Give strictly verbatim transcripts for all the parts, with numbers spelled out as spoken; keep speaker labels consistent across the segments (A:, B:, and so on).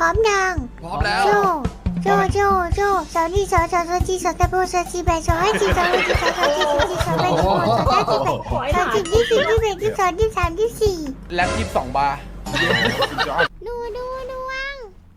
A: ร้อมยัง
B: พร้อมแล้ว
A: โจโจโจโจสาวนี่สาวสาวสาวจีสาวตะโบสาวจีแบสาวให้จีสาวให้จีสาวสาวจีสาวจีสาวแบสาวสาวจีแบสาวจีที่สี่ที่แบที่สองที่สามที่สี่
B: แล็บยี่สิบสองบาร์
A: ดูดูดวง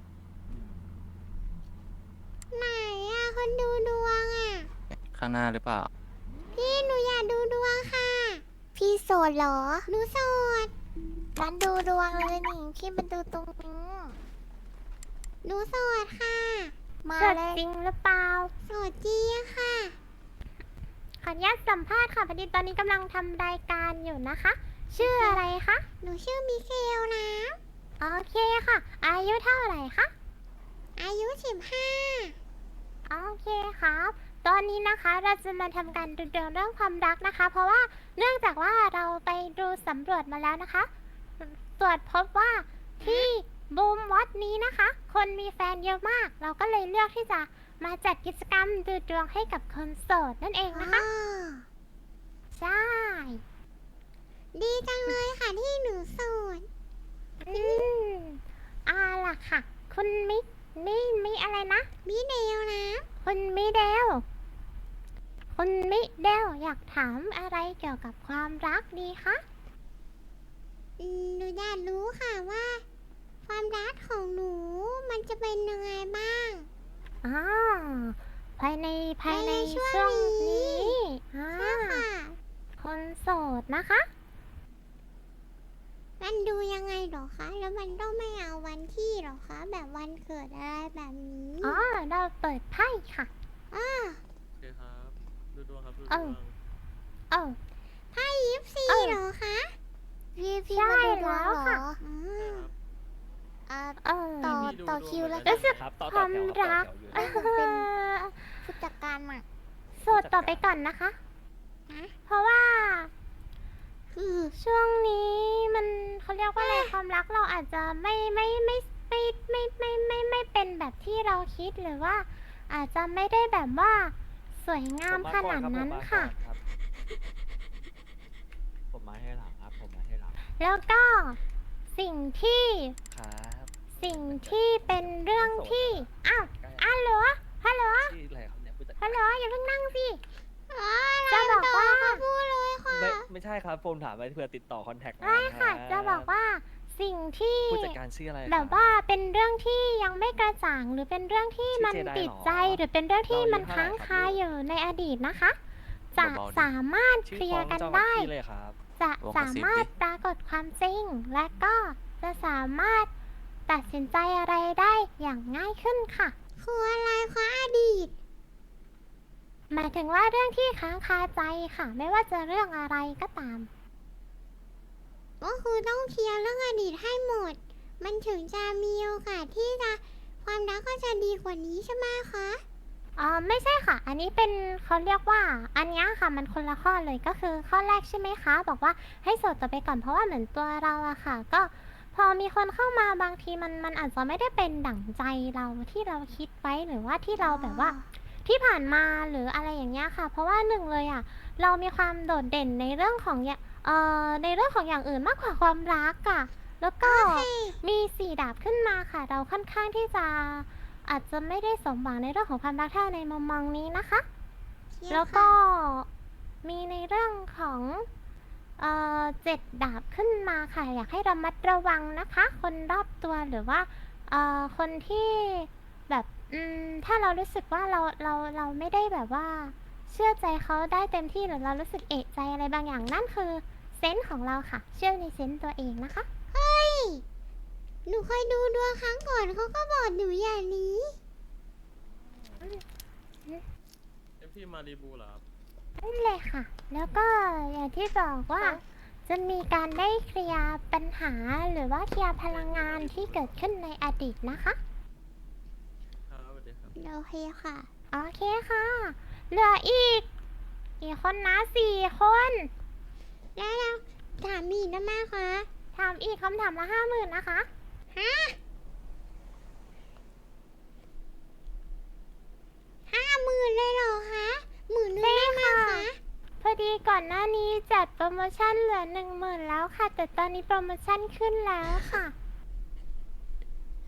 A: ไหนอะคนดูดวงอะ
C: ข้างหน้าหรือเปล่า
A: พี่หนูอยากดูดวงค่ะ พี่โสดเหรอหนูโสดกันดูดวงเลยนี่พี่มาดูตรงนี้หนูโสดค่ะ มา
D: สด
A: เลย
D: จริงหรือเปล่า
A: โสดจริงค่ะ
D: ขออนุญาตสัมภาษณ์ค่ะพอดีตอนนี้กำลังทำรายการอยู่นะคะ ชื่ออะไรคะ
A: หนูชื่อมิเกลนะ
D: โอเคค่ะ อายุเท่าไหร่คะ
A: อายุสิบห้า
D: โอเคครับ ตอนนี้นะคะเราจะมาทำการดูดวงเรื่องความรักนะคะ เพราะว่าเนื่องจากว่าเราไปดูสำรวจมาแล้วนะคะ ตรวจพบว่าที่บูมวัดนี้นะคะ คนมีแฟนเยอะมาก เราก็เลยเลือกที่จะมาจัดกิจกรรมดูดวงให้กับคนโสดนั่นเองนะคะ ใช่
A: ดีจังเลยค่ะที่หนูโสด
D: อืมเอาล่ะค่ะ คุณมิมิมิอะไรนะ
A: มิเดลนะ
D: คุณมิเดล คุณมิเดลอยากถามอะไรเกี่ยวกับความรักดีคะ
A: อืมหนูอยากรู้ค่ะว่า ความรักของหนูมันจะเป็นยังไงบ้าง
D: อ๋อ ภายในภายใน
A: ภายในช่
D: ช่
A: ว
D: ว
A: ง
D: ง
A: นี้
D: นี้อ่า
A: ใช่ค่ะ
D: คนโสดนะคะ
A: มันดูยังไงเหรอคะ แล้วมันต้องไม่เอาวันที่เหรอคะ แบบวันเกิดอะไรแบบนี้
D: อ๋อ เราเปิดไพ่ค่ะ
A: อ้า
E: โอเคครับ ดูดวงครับ ดูด
D: เอ
E: ว
D: อ
E: ง
D: เออ
A: ไพ่ยิปซี
D: เอ้า
A: เหรอคะพี่พี่
D: ใช่
A: มาดูดวง
D: แล้ว
A: เหร
D: ค่ะ
A: ออืม
E: ครับ
A: อ่า
D: เออ
A: ต่อ
E: มีดู
A: ต่อ
E: ดวง
A: คิว
E: เหมื
A: แล้
E: อ
A: วน
E: กัน
A: กัน
D: ครับความรัก
A: เออผมเป็น ผู้จัดการอ่ะ
D: โสดต่อไปก่อนนะคะ
A: ฮะ
D: เพราะว่า
A: คือ
D: ช่วงนี้มันเขาเรียกว่าอะไรความรักเราอาจจะไม่ไม่ไม่ไม่ไม่ไม่ไม่ไม่เป็นแบบที่เราคิดหรือว่า อาจจะไม่ได้แบบว่าสวยงามขนาดนั้นค่ะ
F: ผมมาให้หลังครับ ผมมาให้หลัง
D: แล้วก็สิ่งที่
C: ครับ
D: สิ่งที่เป็นเรื่องที่อ้าวอ้าวเหรอฮัลโหล
C: ชื่ออะไรครับเนี่ยผู้จัด
D: ฮัลโหลอย่าเพิ่งนั่งสิ
A: อ๋อ
D: จะบอกว่า
A: ต่พูดเลยค่ะ
F: ไม่ไม่ใช่ครับผมถามไปเพื่อติดต่อคอนแทค
D: ไม่ค่ะ จะบอกว่าสิ่งที่
C: ผู้จัดการชื่ออะไร
D: แบบว่าเป็นเรื่องที่ยังไม่กระจ่างหรือเป็นเรื่องที่มันติดใจหรือเป็นเรื่องที่มันค้างคาอยู่ในอดีตนะคะ จะสามารถเคลียร์กันได้
F: เลยครับ
D: จะสามารถปรากฏความจริง และก็จะสามารถตัดสินใจอะไรได้อย่างง่ายขึ้นค่ะ
A: คืออะไรคะอดีต
D: หมายถึงว่าเรื่องที่ค้างคาใจค่ะ ไม่ว่าจะเรื่องอะไรก็ตาม
A: ก็คือต้องเคลียร์เรื่องอดีตให้หมด มันถึงจะมีโอกาสที่จะความรักก็จะดีกว่านี้ใช่ไหมคะ
D: อ๋อไม่ใช่ค่ะ อันนี้เป็นเขาเรียกว่า อันเนี้ยค่ะมันคนละข้อเลยก็คือข้อแรกใช่ไหมคะ บอกว่าให้โสดต่อไปก่อนเพราะว่าเหมือนตัวเราอะค่ะ ก็พอมีคนเข้ามาบางทีมันมันอาจจะไม่ได้เป็นดั่งใจเราที่เราคิดไว้หรือว่าที่เราแบบว่า ที่ผ่านมาหรืออะไรอย่างเงี้ยค่ะ เพราะว่าหนึ่งเลยอ่ะเรามีความโดดเด่นในเรื่องของอย่าเอ่อในเรื่องของอย่างอื่นมากกว่าความรักอ่ะแล้วก็มีสี่ดาบขึ้นมาค่ะ เราค่อนข้างที่จะอาจจะไม่ได้สมหวังในเรื่องของความรักเท่าในมุมมองนี้นะคะ
A: เคลียร์
D: แล้วก็
A: ค่ะ
D: มีในเรื่องของเอ่อเจ็ดดาบขึ้นมาค่ะ อยากให้ระมัดระวังนะคะ คนรอบตัวหรือว่าเอ่อคนที่แบบอืมถ้าเรารู้สึกว่าเราเราเราไม่ได้แบบว่า เชื่อใจเขาได้เต็มที่หรือเรารู้สึกเอะใจอะไรบางอย่างนั่นคือเซนส์ของเราค่ะ เชื่อในเซนส์ตัวเองนะคะ
A: เฮ้ย หนูเคยดูดวงครั้งก่อนเขาก็บอกหนูอย่างนี้
E: เอฟพีมารีบูเหรอครับ
D: นั่นเลยค่ะ แล้วก็อย่างที่บอกว่า จะมีการได้เคลียร์ปัญหาหรือว่าเคลียร์พลังงานที่เกิดขึ้นในอดีตนะคะ
E: ครับสวัสดีครับ
A: โอเคค่ะ
D: โอเคค่ะ เหลืออีกกี่คนนะสี่คน
A: แล้วเราถามอีกนะแม่คะ
D: ถามอีกคำถามละห้าหมื่นนะคะ
A: ฮะห้าหมื่นเลยเหรอคะหมื่นนึงได้ไหมคะ
D: พอดีก่อนหน้านี้จัดโปรโมชั่นเหลือหนึ่งหมื่นแล้วค่ะ แต่ตอนนี้โปรโมชั่นขึ้นแล้วค่ะ
A: โ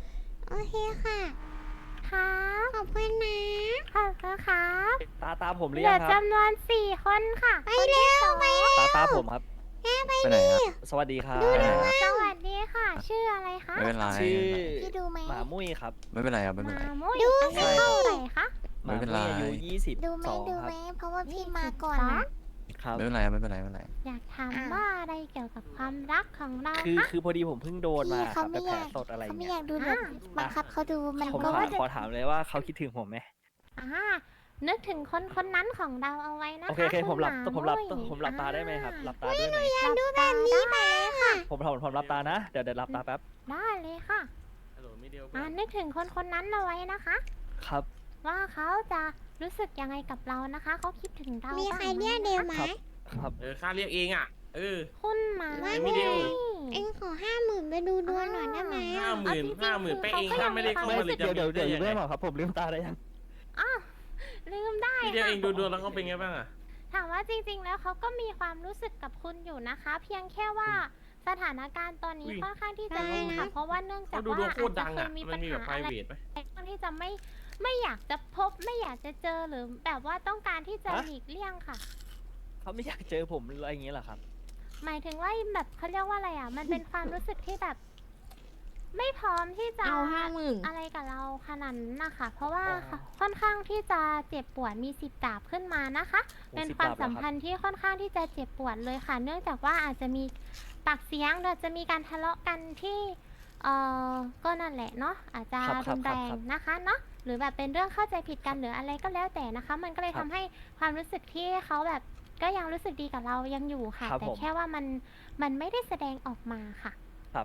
A: โอเคค่ะ
D: ครับ
A: ขอบคุณนะ
D: ขอบคุณครับ
F: ตาตาผมห
D: เห
F: รื
D: ลื
F: อยั
D: อง
F: ครับ
D: จำนวนสี่คนค่ะ
A: ไปเร็วไปเร็ว
F: ตาตาผมครับ
C: ไปไหนครับ
F: สวัสดีครับ
C: ไปไหนครับ
D: สวัสดีค่ะ ชื่ออะไรคะ
C: ไม่เป็นไร
F: ชื่อ
A: พี่ดูไหม
F: หมามุ้ยครับ
C: ไม่เป็นไรครับไม่เป็น
D: มา
C: ไร
D: มุ้ย
A: ดู
D: อายุ
F: สิ
D: เท่าไหร่คะ
F: ห
C: ไม่
F: มา
C: เป็น
F: มุ้
C: ไร
F: ยอายุยี่สิบ
A: ดูไหม
F: สอง
A: ดู
F: ค
A: ไห
F: รั
A: ม
F: บ
A: เพราะว่าพี่มาก่อน
D: สอง
F: ครับ
C: ไม่เป็นไรครับไม่เป็นไรไม่เป็นไร
D: อยากถาม
A: อ่ะ
D: ว่าอะไรเกี่ยวกับความรักของเรา
F: คือ
D: คะ
F: คือพอดีผมเพิ่งโดนมา
A: พี่
F: ค
A: เขา
F: รับ
A: ไม่
F: แบบ
A: อ
F: แผล
A: ยาก
F: สดอะไร
A: เขาไม่
F: เงี้
A: อย ยากดูแบบ
D: อ่ะ
A: บังคับเขาดูมัน
F: ผม
A: ก็
F: ขอขอถามเลยว่าเขาคิดถึงผมไหม
D: อ่านึกถึงคนคนนั้นของเราเอาไว้นะคะ
F: โอเคโอเคผมหลับ
D: คุณ
F: ผมหลับ
D: มุ้ย
F: ผมหลับตาได้ไหมครับ
D: อ่
F: หลับตาด้วยไหม
A: อยากดูแบบนี้ไปค่ะ
F: ผมผมผมหลับตานะ เดี๋ยวเดี๋ยวหลับตาแป๊บ
D: ได้เลยค่ะ
E: ฮัลโหลมีเดียว
D: อ่านึกถึงคนคนนั้นเอาไว้นะคะ
F: ครับ
D: ว่าเขาจะรู้สึกยังไงกับเรานะคะ เขาคิดถึงเรา
A: มี
D: บ้าง
A: ใคร
D: ไห
A: เรียกเดียวไหม
F: ครับ ครับ
E: เออค่าเรียกเองอ่ะ เออ
D: คุณหมา
A: ว่า
E: ไม่เดียว
A: เอ็งขอห้าหมื่นไปดูดวงหน่อยได้ไหม
E: ห้าหมื่น
D: เอจริงๆ
E: ห้าหมื่น
D: คือ
E: ไปเอง
D: ขก็
E: ถ้าไม่ได้
D: คว
E: เข้ามาเลย
F: เดี๋ยวเดี๋ยวเดี๋ยวอยู่ด้วยหรอครับ ผมลืมตาได้ยัง
D: อ้าวลืมได้
E: พี่เดียว
D: ค่ะ
E: เองดูดวงแล้วเขาเป็นไงบ้างอ่ะ
D: ถามว่าจริง ๆ แล้วเขาก็มีความรู้สึกกับคุณอยู่นะคะ เพียงแค่ว่าสถานการณ์ตอนนี้
E: อุ้ย
D: ค่อนข้างที่จะดีค่ะ เพราะว่าเนื่องจา
E: เขา
D: ก
E: ดู
D: ว่า
E: ดวง
D: อาจ
E: โคตร
D: จะ
E: ดัง
D: เค
E: อ่ะ
D: ยมี
E: มั
D: ปั
E: น
D: ญ
E: มีแบบ
D: หา
E: ไพร
D: อะไร
E: เวทไหม
D: ค่อนที่จะไม่ไม่อยากจะพบไม่อยากจะเจอหรือแบบว่าต้องการที่จะ
F: ฮะ
D: หลีกเลี่ยงค่ะ
F: เขาไม่อยากเจอผมอะไรอย่างเงี้ยเหรอครับ
D: หมายถึงว่าแบบเขาเรียกว่าอะไรอ่ะ มันเป็นความรู้สึกที่แบบ ไม่พร้อมที่จะ
B: เอาห้าหมื่น
D: อะไรกับเราขนาดนั้นนะคะ เพราะว่า
F: อ๋อ
D: ค่อนข้างที่จะเจ็บปวดมีสิบดาบขึ้นมานะคะ
F: โอ้
D: เป็น
F: สิบ
D: ความ
F: ดาบเหรอ
D: สัม
F: ครับ
D: พันธ์ที่ค่อนข้างที่จะเจ็บปวดเลยค่ะ เนื่องจากว่าอาจจะมีปากเสียงหรือจะมีการทะเลาะกันที่เอ่อก็นั่นแหละเนาะอาจจะ
F: ครับครั
D: รุ
F: บ
D: น
F: ค
D: แร
F: รับ
D: ง
F: ครับ
D: นะคะเนาะหรือแบบเป็นเรื่องเข้าใจผิดกันหรืออะไรก็แล้วแต่นะคะ มันก็เลย
F: ครั
D: ทำ
F: บ
D: ให้ความรู้สึกที่เขาแบบก็ยังรู้สึกดีกับเรายังอยู่ค่ะ
F: ครับ
D: แต่
F: ผม
D: แค่ว่ามันมันไม่ได้แสดงออกมาค่ะ
F: ครับ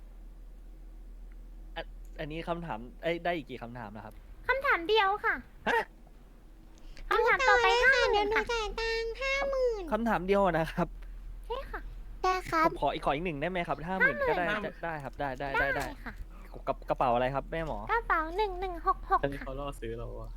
F: อันอันนี้คำถามเอ้ยได้อีกกี่คำถามนะครับ
D: คำถามเดียวค่ะ
F: ฮะ
D: คำถามต่อไปห้าห
A: เดี๋
D: มื่
A: ยวน หนู
D: ค่ะ
A: จ่ายตังค์ห้าหมื่น
F: คำถามเดียวนะครับ
D: ใช่ค่ะ
A: ได้ครั
F: ผ
A: บ
F: มขออีกขออีกหนึ่งได้ไหมครับห้าหมื่นก็ได้
E: ห้าหมื่
F: ได้
E: น
F: ได้ครับได้ได้ได้ได้
D: ค่ะ
F: กระกระเป๋าอะไรครับแม่หมอ
D: กระเป๋าหนึ่งหนึ่งหกหกค่ะ
E: เขาล่อซื้อเราอ่ะ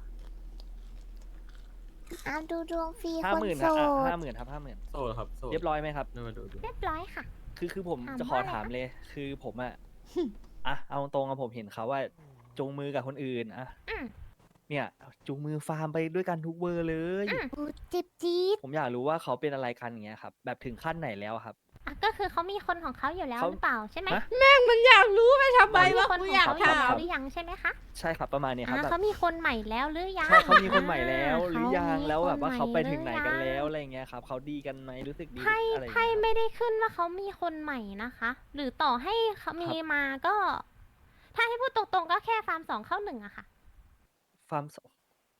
A: เอาดูดวงฟรี
F: ห้า
A: คน
F: หมื่น
A: โส
F: ครับ
A: ด
F: ห้าหมื่นครับห้าหมื่น
E: โสดครับโสด
F: เรียบร้อยไหมครับ
E: ดูมาดูดู
D: เรียบร้อยค่ะ
F: คือคือผม
D: ถาม
F: จะขอ
D: ว่าอะไร
F: ถาม
D: คะ
F: เลย คือผมอะ อ่ะเอาตรงๆอะผมเห็นเขาว่าจูงมือกับคนอื่นอะ
D: อืม
F: เนี่ยจูงมือฟาร์มไปด้วยกันทุกเบอร์เลย
D: อืม
A: อู้จิบจี๊ด
F: ผมอยากรู้ว่าเขาเป็นอะไรกันอย่างเงี้ยครับแบบถึงขั้นไหนแล้วอะครับ
D: อ่ะก็คือเขามีคนของเขาอยู่แล้ว
F: เขา
D: หรือเปล่าใช่ไหม
F: ฮะ
B: มันอยากรู้ไปทำไม
D: เขามี
B: วะ
D: คน
B: กู
D: ของ
B: อยาก
D: เขาอยู่
B: ถา
D: แล้ว
B: ม
D: หรือยังใช่ไหมคะ
F: ใช่ครับประมาณเนี้ยครับ
D: อ่า
F: แบบ
D: เขามีคนใหม่แล้วหรือยัง
F: ใช่เขามีคนใหม่แล้วหรือยัง
D: เขามี
F: แล้วแบบว่า
D: คนใหม่
F: เขาไปถึงไหนกัน
D: หรือยัง
F: แล้วอะไรเงี้ยครับเขาดีกันไหมรู้สึกดี
D: ไพ่
F: อะไรอย่าง
D: ไพ่
F: เงี้ยครับ
D: ไม่ได้ขึ้นว่าเขามีคนใหม่นะคะ หรือต่อให้เขามีมาก็ ถ้าให้พูดตรงๆก็แค่ฟาร์มสองเข้าหนึ่งอะค่ะ
F: ฟาร์มสอง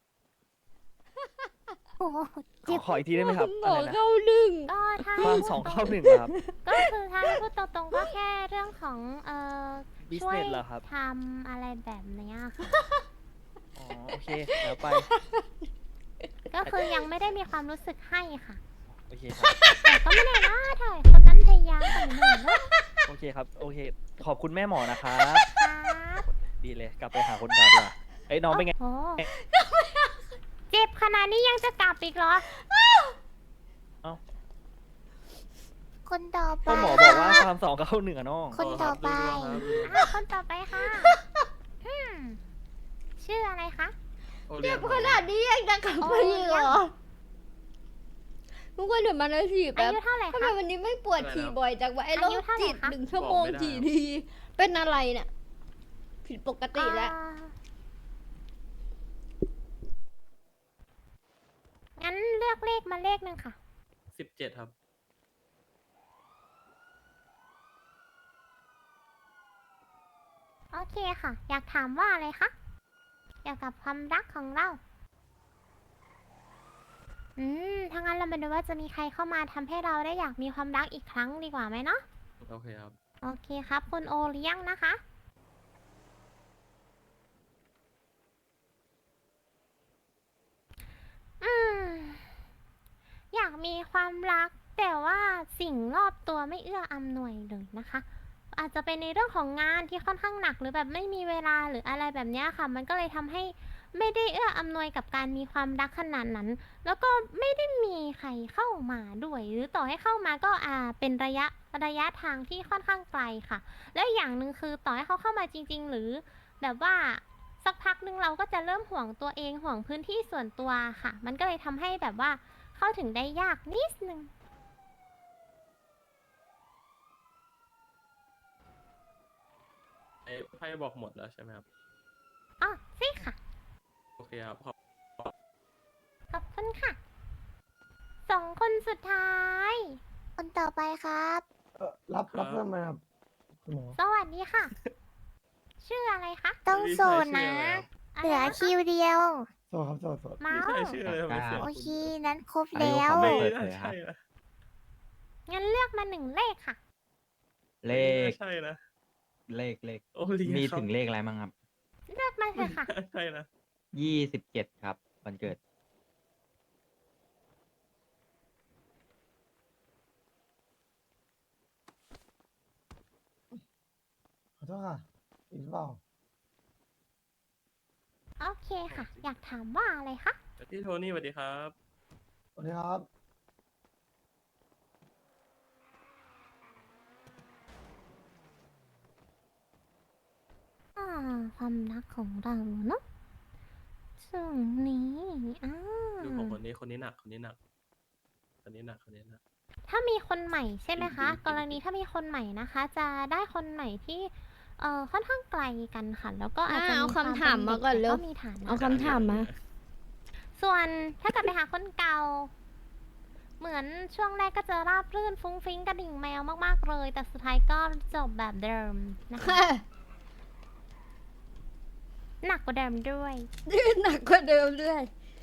A: โอ้โห
F: ข
A: เจ็
F: อบ ขออีกทีได้ไหมครับ
B: หม
F: อะ
B: อ
F: ไรนะ
B: เข้าหนึ่ง
D: ก็ถ้าให้
F: ฟาร์ม
D: พูด
F: สอง
D: ตร
F: เข้าหนึ่งเหรอครับ
D: ก็คือถ้าให้พูดตรงๆก็แค่เรื่องของเอ่อ ช่วย
F: business เหรอครับ
D: ทำอะไรแบบเนี้ยค่ะ
F: อ๋อโอเคแล้วไป
D: ก็คือยังไม่ได้มีความรู้สึกให้ค่ะ
F: โอเคครับ
D: แต่ก็ไม่แน่นะถ่ายคนนั้นพยายามกว่าหนูนะ
F: โอเคครับโอเค ขอบคุณแม่หมอนะครับ
D: ครับ
F: ดีเลยกลับไปหาคนเก่าดีกว่าเอ้ยน้องเป็นไง
D: โอ้โหเจ็บขนาดนี้ยังจะกลับอีกเหรอ
A: คนต่อไป
F: ก็หมอบอกว่าฟาร์มสองเข้าหนึ่งอะน้อง
A: คนต่อไป
E: ดูดวงครับ
D: อ่ะคนต่อไปค่ะอืมชื่ออะไรคะ
E: โอ
B: เจ็
E: ย
B: บขนาดนี้ยังจะกลับไปอีกเหรอทุกคนเดี๋ยวมานาที
D: อา
B: แป๊บ
D: ยุเท่าไหร่
B: ทำไม
D: คะ
B: วันนี้ไม่ปวดฉี่บ่อยจังวะไอ้โร
D: อายุ
B: ค
D: เท่าไหร่
B: จิต
D: คะ
B: หนึ่งชั่วโมงทีที เป็นอะไรเนี่ย ผิดปกติแล้ว
D: อ่างั้นเลือกเลขมาเลขหนึ่งค่ะ
E: สิบเจ็ดครับ
D: โอเคค่ะ อยากถามว่าอะไรคะเกี่ยวกับความรักของเรา อืมถ้างั้นเรามาดูว่าจะมีใครเข้ามาทำให้เราได้อยากมีความรักอีกครั้งดีกว่าไหมเนาะ
E: โอเคครับ
D: โอเคครับ คุณโอเลี้ยงนะคะ อืม อยากมีความรัก แต่ว่าสิ่งรอบตัวไม่เอื้ออำนวยเลยนะคะ อาจจะเป็นในเรื่องของงานที่ค่อนข้างหนักหรือแบบไม่มีเวลาหรืออะไรแบบเนี้ยค่ะ มันก็เลยทำให้ไม่ได้เอื้ออำนวยกับการมีความรักขนาดนั้น แล้วก็ไม่ได้มีใครเข้ามาด้วย หรือต่อให้เข้ามาก็อ่าเป็นระยะระยะทางที่ค่อนข้างไกลค่ะ และอย่างหนึ่งคือต่อให้เขาเข้ามาจริง ๆ หรือแบบว่าสักพักหนึ่งเราก็จะเริ่มห่วงตัวเองห่วงพื้นที่ส่วนตัวค่ะ มันก็เลยทำให้แบบว่าเข้าถึงได้ยากนิดนึง
E: ไอ้ไพ่บอกหมดแล้วใช่ไหมครับ
D: อ๋อใช่ค่ะ
E: โอเคครับขอบ
D: ขอบคุณค่ะ สองคนสุดท้าย
A: คนต่อไปครับ
G: เอ่อรับรับเพิ่มไหมครับคุณหมอ
D: สวัสดีค่ะ ชื่ออะไรคะ
A: ต้องโสดนะ เหลือคิวเดียว
G: โสดครับโสดโสด
D: เมา
E: พี่
D: ส์
E: ชายชื่ออะไรทำไมเสียง
A: โอ
E: คุ้น
A: เค นั้นครบ
C: อายุ
A: แล้ว
C: เขา
E: ไม่
C: เปิด
E: น่า
C: เผยครับ
E: ใช่นะ
D: งั้นเลือกมาหนึ่งเลขค่ะ
C: เล
E: ไม่
C: ข
E: น่าใช่นะ
C: เลขเลข
E: โอเลีย
C: มี
E: ครับ
C: ถึงเลขอะไรบ้างครับ
D: เลือกมาเถอะค่ะ
E: ไม่น่าใช่นะ
C: ยี่สิบเจ็ดครับวันเกิด
G: ขอโทษค่ะอีกหรือเปล่า
D: โอเคค่ะ อยากถามว่าอะไรคะ
E: พี่โทนี่สวัสดีครับ
G: สวัสดีครับ
D: อ่า ความรักของเราเนาะช่วงนี้อ่า
E: ดูของคนนี้คนนี้หนักคนนี้หนักคนนี้หนักคนนี้หนัก
D: ถ้ามีคนใหม่ใช่ไหมคะ
E: จริงๆ
D: กรณีถ้ามีคนใหม่นะคะ จะได้คนใหม่ที่ เอ่อ ค่อนข้างไกลกันค่ะ แล้วก็อาจจะ
B: อ่าเอา
D: มีว
B: คำถามมาก่อนเร็ว
D: แต่ก็มีฐานะ
B: เอาคำถามมา
D: ส่วนถ้าเกิดไปหาคนเก่า เหมือนช่วงแรกก็จะราบรื่นฟุ้งฟิ้งกระดิ่งแมวมากๆเลย แต่สุดท้ายก็จบแบบเดิมนะคะ หนักกว่าเดิมด้วย
B: หนักกว่าเดิมด้วย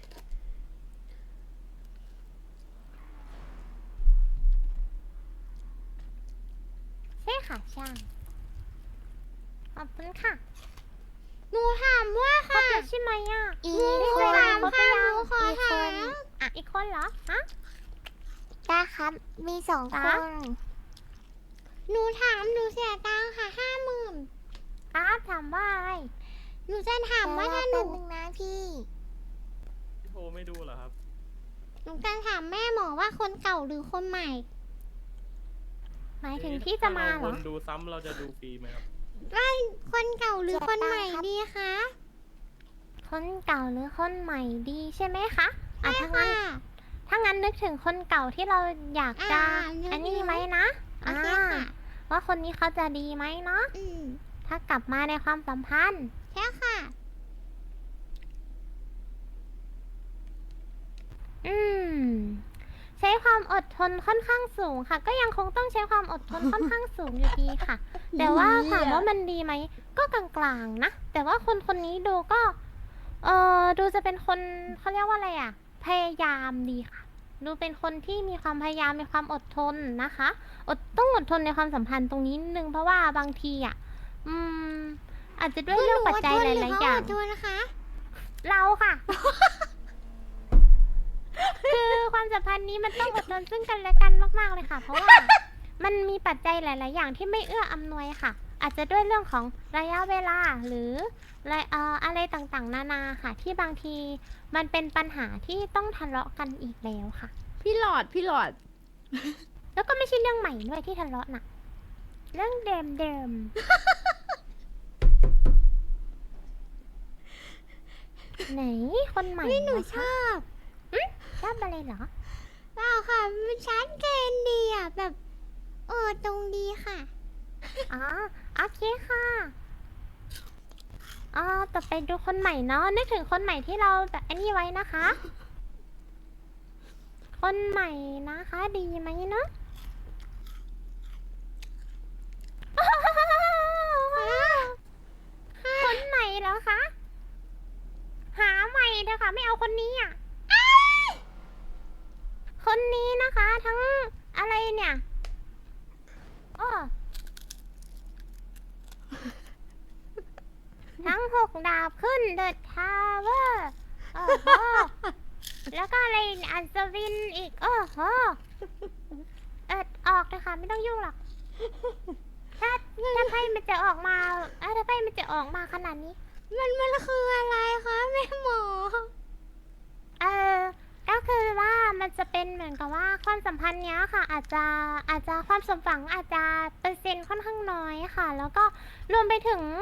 D: ใช่ค่ะใช่ขอบคุณค่ะ
A: หนูถามว่า
D: ครบแล้วใช่ไหมอ่ะ
A: อี
D: ไม่
A: ก
D: เค
A: ค
D: ย
A: น
D: ถามครบหรือยัง
A: หนูขอ
D: อีกค
A: ถาน ม
D: อ่ะอีกคนเหรอฮะ
A: ได้ครับ มีสองค
D: จ๊ะ
A: น หนูถาม หนูเสียตังค่ะห้าหมื่น
D: ครับถามว่าอะไร
A: หนูจะถามว่าถ้าหนูนึงนะพี่
E: พี่โทไม่ดูเหรอครับ
A: หนูจะถามแม่หมอว่าคนเก่าหรือคนใหม่
D: หมายถึงที่จะมาเหร
E: ถ้
D: อ
E: เราวนดูซ้ำเราจะดูฟรีไหมครับ
A: ว่าคนเก่าหรือคนใหม่เสียตังค์ครับดีคะ
D: คนเก่าหรือคนใหม่ดีใช่ไหมคะอ่ะ
A: ใช่
D: ถ้างั้น
A: ค่ะ
D: ถ้างั้นนึกถึงคนเก่าที่เราอยากจะ
A: อ่านึก
D: อันนี้
A: ถึง
D: ไหมนะ
A: โอ
D: อ่า
A: เคค่ะ
D: ว่าคนนี้เขาจะดีไหมเนาะ
A: อืม
D: ถ้ากลับมาในความสัมพันธ์
A: ใช่ค่ะ
D: อืม ใช้ความอดทนค่อนข้างสูงค่ะ ก็ยังคงต้องใช้ความอดทนค่อนข้างสูงอยู่ดีค่ะ แต่ว่าถามว่ามันดีไหมก็กลางๆนะ แต่ว่าคนคนนี้ดูก็ เออดูจะเป็นคนเขาเรียกว่าอะไรอ่ะ พยายามดีค่ะ ดูเป็นคนที่มีความพยายามมีความอดทนนะคะ อดต้องอดทนในความสัมพันธ์ตรงนี้นิดนึงเพราะว่าบางทีอ่ะ อืม อาจจะด้วยเรื่องปัจจัยหลายๆอย่าง
A: อดทนนะคะ
D: เราค่ะ คือความสัมพันธ์นี้มันต้องอดทนซึ่งกันและกันมากๆเลยค่ะ เพราะว่ามันมีปัจจัยหลาย ๆ อย่างที่ไม่เอื้ออำนวยค่ะ อาจจะด้วยเรื่องของระยะเวลาหรืออะไรเอ่ออะไรต่างๆ นานาค่ะ ที่บางทีมันเป็นปัญหาที่ต้องทะเลาะกันอีกแล้วค่ะ
B: พี่หลอด พี่หลอด
D: แล้วก็ไม่ใช่เรื่องใหม่ด้วยที่ทะเลาะน่ะ เรื่องเดิมเดิมๆ ไหนคนใหม่
A: ไม่หนู
D: เหรอ
A: ช
D: คะ
A: อบ
D: ชอบอะไรเหรอ
A: เปล่าค่ะ มันชัดเจนดีอ่ะ แบบ เออ ตรงดีค่ะ
D: อ๋อโอเคค่ะอ๋อต่อไปดูคนใหม่เนาะนึกถึงคนใหม่ที่เราแบบอันนี้ไว้นะคะ คนใหม่นะคะ ดีไหมเนาะ คนใหม่เหรอคะ หาใหม่เถอะค่ะ ไม่เอาคนนี้อ่ะ คนนี้นะคะ ทั้งอะไรเนี่ยอ้อ ทั้งหกดาบขึ้นเดอะทาวเวอร์โอ้โห แล้วก็อะไรอัศวินอีก โอ้โห เอิดออกเลยค่ะ ไม่ต้องยุ่งหรอก ถ้าถ้าไพ่มันจะออกมาเอ้าถ้าไพ่มันจะออกมาขนาดนี้
A: มันมันคืออะไรคะแม่หมอ
D: เออก็คือว่ามันจะเป็นเหมือนกับว่าความสัมพันธ์เนี้ยค่ะ อาจจะอาจจะความสมหวังอาจจะเปอร์เซ็นต์ค่อนข้างน้อยค่ะ แล้วก็รวมไปถึง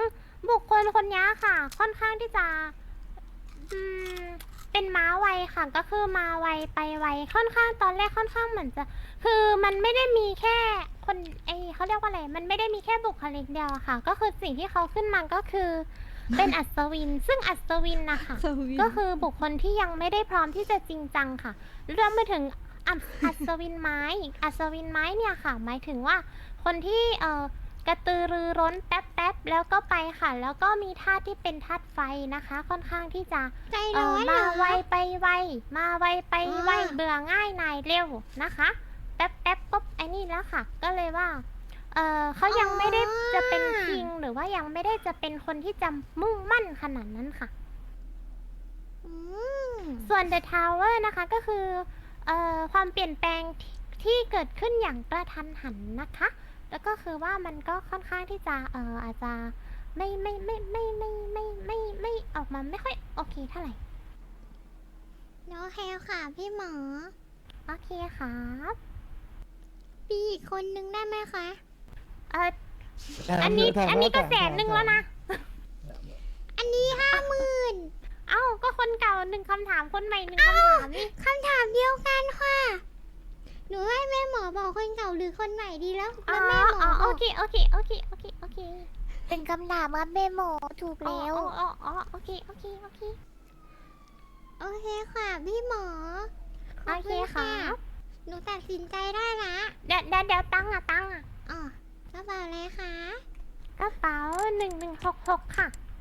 D: บุคคลคนนี้ค่ะ ค่อนข้างที่จะอืมเป็นม้าไวค่ะ ก็คือมาไวไปไวค่อนข้างตอนแรกค่อนข้างเหมือนจะ คือมันไม่ได้มีแค่คนไอเขาเรียกว่าอะไรมันไม่ได้มีแค่บุคลิกเดียวอะค่ะ ก็คือสิ่งที่เขาขึ้นมาก็คือ เป็นอัศวิน ซึ่งอัศวินนะคะ
B: สวิน
D: ก็คือบุคคลที่ยังไม่ได้พร้อมที่จะจริงจังค่ะ เรื่องไปถึงอัศอัศวินไม้ อัศวินไม้เนี่ยค่ะ หมายถึงว่าคนที่เอ่อกระตือรือร้นแป๊บแป๊บๆแล้วก็ไปค่ะ แล้วก็มีธาตุที่เป็นธาตุไฟนะคะ ค่อนข้างที่จะ
A: ใจ
D: เอ่
A: ร้
D: อ
A: อนเหร
D: มา
A: อ
D: ไวไปไว มาไวไปไว
A: อ่า
D: เบื่อง่ายนายเร็วนะคะ แป๊บแป๊บปุ๊บไอ้นี่แล้วค่ะ ก็เลยว่า เออเขายังไม่ได้จะเป็นคิงหรือว่ายังไม่ได้จะเป็นคนที่จะมุ่งมั่นขนาดนั้นค่ะ
A: อืม
D: ส่วน The Tower นะคะก็คือเอ่อความเปลี่ยนแปลงที่ที่เกิดขึ้นอย่างกระทันหันนะคะ แล้วก็คือว่ามันก็ค่อนข้างที่จะเอ่ออาจจะไม่ไม่ไม่ไม่ไม่ไม่ไม่ไม่ออกมาไม่ค่อยโอเคเท่าไหร่
A: โอเคค่ะพี่หมอ
D: โอเคครับ
A: ปีอีกคนนึงได้ไหมคะ
D: เอออันนี้อันนี้ก็แสนหนึ่งแล้วนะ
A: อันนี้ห้าหมื่น
D: เอ้าก็คนเก่าหนึ่งคำถามคนใหม่หนึ่งคำถามนี่
A: คำถามเดียวกันค่ะ หนูให้แม่หมอบอกคนเก่าหรือคนใหม่ดีแล้ว
D: อ๋
A: แล้ว
D: อ
A: แม่หมอ
D: อ๋อบ โอ
A: อก
D: เคโอเคโอเคโอเคโอเค
A: เป็นคำถามครับแม่หมอถูก
D: อ๋อ
A: แล้ว
D: อ๋ออ๋อโอเคโอเคโอเค
A: โอเคค่ะพี่หมอ
D: โอเคครับ
A: หนูตัดสินใจได้ละ
D: เดี๋ยวเดี๋ยวเดี๋ยวตั้งอะตั้งอะ
A: อ๋อกระเป๋าอะไรคะ
D: กระเป๋าหนึ่งหนึ่งหกหกค่ะ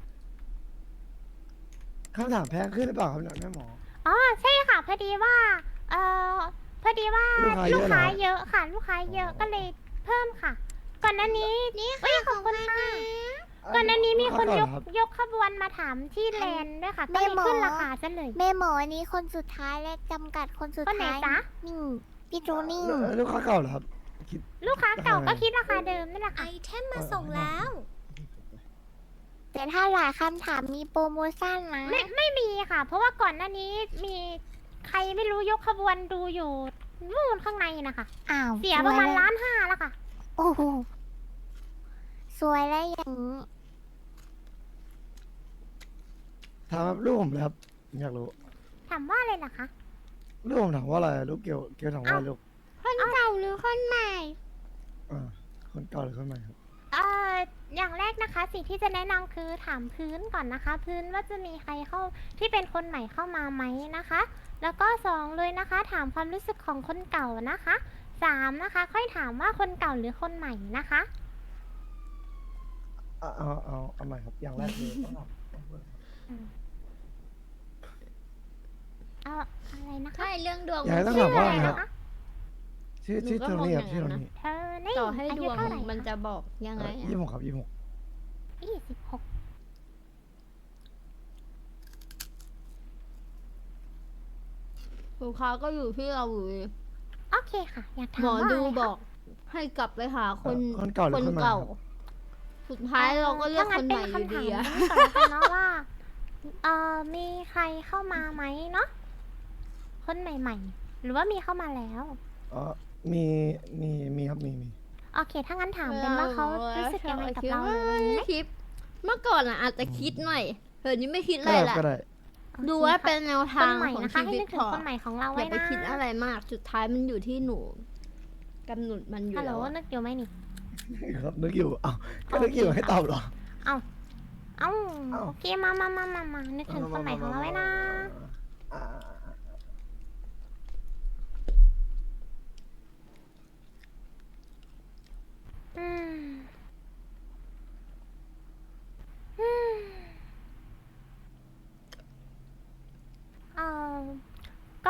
G: คำถามแพงขึ้นหรือเปล่าครับเนี่ยแม่หมอ
D: อ๋อใช่ค่ะพอดีว่า เอ่อพอดีว่า
G: ลูกค้าเย
D: ลูก
G: อะเหรอ
D: ค้าเยอะค่ะ ลูกค้าเยอะก็เลยเพิ่มค่ะ ก่อนหน้านี้
A: นี่
D: เอ้
A: ค่ะ
D: ยขอบคุณ
A: ของ
D: ค่ะ
A: พัน
D: ก่อนหน้านี้มีคนยก
G: รับ
D: ยกขบวนมาถามที่แลนด์ด้วยค่ะ ก็
A: แม่
D: เลย
A: หมอ
D: ขึ้นราคาซะเลย
A: แม่หมอนี้คนสุดท้ายและจำกัดคนสุด
D: คนไหน
A: ท้าย
D: จ๊ะ
A: นี่พี่โจนี่
G: เอ่อลูกค้าเก่าเหรอครับคิด
D: ลูกค้าเก่า
G: ราคา
D: ก็คิดราคาเดิมนี่แหละ
A: ไอ
D: ค่ะ
A: เทมมาส่งแล้ว แต่ถ้าหลายคำถามมีโปรโมชั่นนะ
D: ไม่ไม่มีค่ะ เพราะว่าก่อนหน้านี้มีใครไม่รู้ยกขบวนดูอยู่นู่นข้างในนะคะ
A: อ้าว
D: เสียประมาณ
A: สวแว
D: ล้านห้าแล้วค่ะ
A: โอ้โหสวยแล้วอย่างนี้
G: ถามครับลูกผมเลยครับผมอยากรู้
D: ถามว่าอะไรล่ะคะ
G: ลูกผมถามว่าอะไรลูกเกี่ยวเกี่ยวถามว่าอะไรลูก
A: คนเก่าหรือคนใหม่
G: อ่าคนเก่าหรือคนใหม่ครับ
D: เอ่ออย่างแรกนะคะสิ่งที่จะแนะนำคือถามพื้นก่อนนะคะ พื้นว่าจะมีใครเข้าที่เป็นคนใหม่เข้ามาไหมนะคะ แล้วก็สองเลยนะคะ ถามความรู้สึกของคนเก่านะคะสามนะคะ ค่อยถามว่าคนเก่าหรือคนใหม่นะคะ
G: เอาเอาเอาเอาใหม่ครับอย่างแรกเลยต้องถาม
D: เอาอะไรนะคะ
B: ใช่เรื่องดวง
G: อยากให้ต้อง
D: ชื่
G: ถาม
D: อ
G: ว่า
D: อะ
G: อะไร ไร
D: นะครับ คะ
G: ชื่อ
B: หนู
G: ชื่อ
B: ก็
G: โท
B: มอง
G: นี่
B: อ
G: ครับ
B: ย่าง
G: ชื่อ
B: นั้
G: โท
B: นนะ
G: นี่
D: เธอนี่
B: ต่อให้
D: อา
B: ด
D: ยุ
B: วง
D: เท่าไหร่
B: มันจะบอกยังไง
G: ยี่
B: อะ
G: สิบหกครับยี่สิบหก
D: ยี่สิบหก
B: ลูกค้าก็อยู่ที่เราอยู่ดี
D: โอเคค่ะ อยากถาม
B: หมอ
D: ว่า
B: ดู
D: อะไรคะ
B: บอก ให้กลับไปหาคน
G: คนเก่าหรือ
B: คน
G: คนใหม่
B: เก่า
G: ครับ
B: สุดท้ายเราก็เลือกคนใหม่อยู่ดีอะ
D: ถ้างั้นเป็นคำถามนี้ก่อนแล้วกันเนาะว่า เอ่อ มีใครเข้ามาไหมเนาะ คนใหม่ๆ หรือว่ามีเข้ามาแล้ว
G: อ๋อมีมีมีครับมีมี
D: โอเค ถ้างั้นถามเป็นว่าเขารู้สึกยังไงกับเราหรืออะไรไหม
B: คิดเมื่อก่อนอะอาจจะคิดหน่อยเดี๋ยวนี้ไม่คิดอะไร
G: ได้
B: ละ
G: ก็ได้
D: โอค
B: ดูว่า
D: ค่ะ
B: เป็นแนว
D: ค
B: ทาน ง
D: ใหม่
B: ของ
D: นะคะ
B: ชี
D: ให้
B: วิต
D: นึกถึ
B: พ
D: ง
B: อ
D: คนใหม่ของเรา
B: อ
D: ไว้
B: ย่าไป
D: นะ
B: คิดอะไรมาก สุดท้ายมันอยู่ที่หนูกำหนดมันอยู่
D: ฮัลโหล
B: แล้วอะ
D: นึกอยู่ไหมนี่
G: ครับนึกอยู่อ้าวก็นึกอยู่ให้ตอบเหรอ
D: เอ้า
G: เอ้า
D: โอเค มามามามามานึกถึงคนใหม่ของเราไว้นะ
G: อ่า
D: อืม อืมเออก็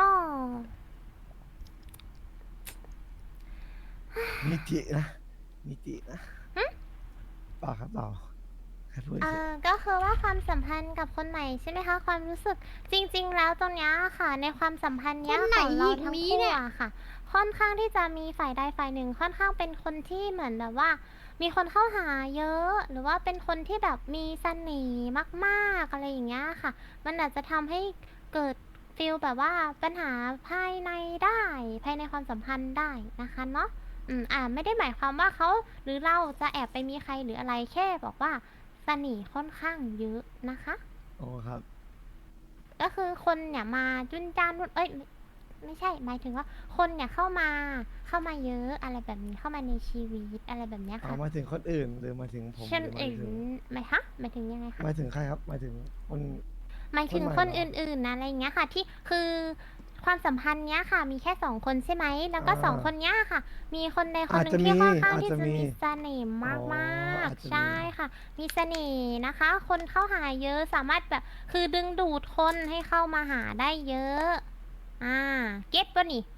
G: มิจินะมิจินะเปล่าครับเปล่าแค่พูด
D: เอ
G: เฉย
D: อก็คือว่าความสัมพันธ์กับคนใหม่ใช่ไหมคะ ความรู้สึกจริง ๆ แล้วตรงเนี้ยค่ะ ในความสัมพันธ์เนี้ย
A: คนไหน
D: ของเรา
A: อีก
D: ทั้ง
A: มี
D: คู่
A: เนี่ย
D: อะค่ะ ค่อนข้างที่จะมีฝ่ายใดฝ่ายหนึ่งค่อนข้างเป็นคนที่เหมือนแบบว่า มีคนเข้าหาเยอะ หรือว่าเป็นคนที่แบบมีเสน่ห์มากๆอะไรอย่างเงี้ยค่ะ มันอาจจะทำให้เกิดฟีลแบบว่าปัญหาภายในได้ภายในความสัมพันธ์ได้นะคะเนาะอืมอ่าไม่ได้หมายความว่าเขาหรือเราจะแอบไปมีใครหรืออะไรแค่บอกว่าเสน่ห์ค่อนข้างเยอะนะคะ
G: โอ้ครับ
D: ก็คือคนเนี่ยมาจุนจ้านนู่นเอ้ยไม่ไม่ใช่หมายถึงว่าคนเนี่ยเข้ามาเข้ามาเยอะอะไรแบบนี้เข้ามาในชีวิตอะไรแบบเนี้ย
G: เอา
D: ค่ะ
G: มาถึงคนอื่นหรือมาถึงผมห
D: เช่น
G: รือหมา
D: อื่
G: ย
D: น
G: ถึง
D: ไหมฮะหมายถึงยังไงคะ
G: หมายถึงใครครับหมายถึงคน
D: หมายถึง
G: คนใหม่
D: คน
G: เหร
D: อ
G: อ
D: ื่นๆนะอะไรเงี้ยค่ะ ที่คือความสัมพันธ์เนี้ยค่ะ มีแค่สองคนใช่ไหมแล้วก็
G: อ่า
D: สองคนเนี้ยค่ะ มีคนใดคน
G: อาจ
D: หนึ่ง
G: จะ
D: ที่
G: มี
D: ค่อนข้าง
G: อาจ
D: ที่
G: จะ
D: จะ
G: มี
D: มีเสน่ห์มาก
G: อ๋อ
D: มาก
G: อาจจะมี
D: ใช่ค่ะ มีเสน่ห์นะคะ คนเข้าหาเยอะสามารถแบบคือดึงดูดคนให้เข้ามาหาได้เยอะ อ่า เก็ตปะนี่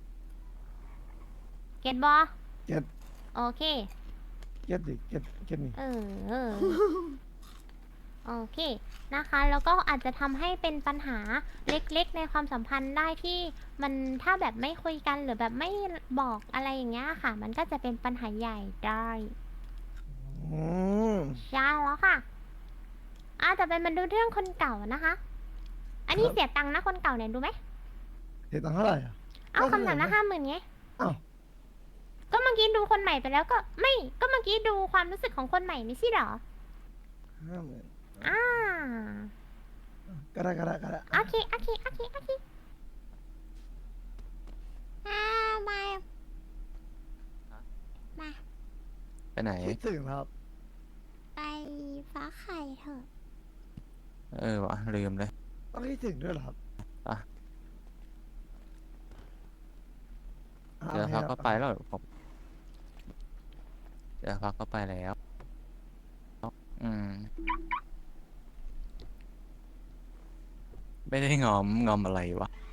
D: เก็ตบอ
G: เก็ต
D: โอเค
G: เก็ตดิเก็ตเก็ตนี่
D: เออเออ โอเค นะคะ แล้วก็อาจจะทำให้เป็นปัญหาเล็กๆ ในความสัมพันธ์ได้ที่มันถ้าแบบไม่คุยกันหรือแบบไม่บอกอะไรอย่างเงี้ยค่ะ มันก็จะเป็นปัญหาใหญ่ได้
G: อืม
D: ใช่แล้วค่ะอาแต่เป็นมันดูเรื่องคนเก่านะคะ อันนี้
G: ครับ
D: เสียตังค์นะคนเก่าเนี่ยดูไหม
G: เสียตังค์เท่าไหร่อ่ะ
D: เอา
G: ก็
D: คำถาม
G: เท่าไหร่
D: ละ
G: นะ
D: ห้าหมื่นไง
G: อ้าว
D: ก็เมื่อกี้ดูคนใหม่ไปแล้วก็ไม่ก็เมื่อกี้ดูความรู้สึกของคนใหม่ไม่ใช่เหรอ
G: ห้าหมื่น
D: อ่า
G: ก็ได้ก็ได้ก็ได้
D: โอเคโอเคโอเคโอเค
A: อ่ามามา
H: ไปไหน
G: คิดถึงครับ
A: ไปฟ้าไข่เถอะ
H: เออวะลืมเลย
G: ต้องคิดถึงด้วยเหรอครับ
H: อ่ะ
G: อ่ะ
H: เดี๋ยว
G: โอค
H: พัก
G: ค
H: ก็
G: รับ
H: ไปแล้วผมเดี๋ยวพักก็ไปแล้ว อืม ไม่ได้งอมงอมอะไรวะ